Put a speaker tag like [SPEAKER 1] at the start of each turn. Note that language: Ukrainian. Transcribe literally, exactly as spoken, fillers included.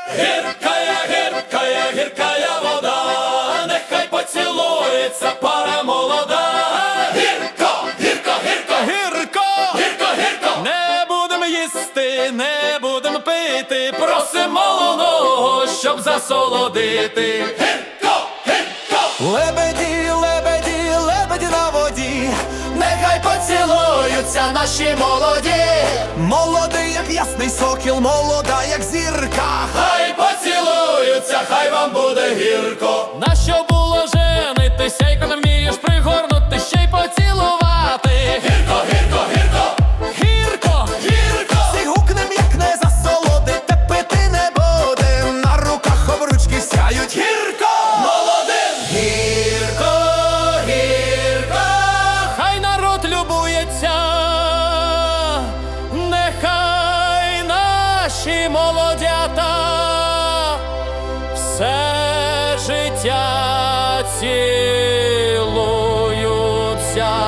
[SPEAKER 1] Гіркая, гіркая, гіркая вода, нехай поцілується пара молода. Гірко, гірко, гірко, гірко, гірко, гірко. Не будем їсти, не будем пити, просимо молодого, щоб засолодити. Гірко, гірко.
[SPEAKER 2] Лебеді, лебеді, лебеді на воді, нехай поцілуються наші молоді. Молодий, як ясний сокіл, молода, як зірка.
[SPEAKER 1] Хай поцілуються, хай вам буде гірко.
[SPEAKER 3] Нащо було женитися, як не вмієш пригорнути, ще й поцілувати?
[SPEAKER 1] Гірко, гірко, гірко,
[SPEAKER 3] Гірко!
[SPEAKER 1] гірко.
[SPEAKER 2] Всі гукнем, як не засолодити, пити не будем. На руках обручки сяють.
[SPEAKER 1] Гірко, молодим.
[SPEAKER 2] Гірко, гірко.
[SPEAKER 3] Хай народ любується, нехай наші молодята все життя цілуються.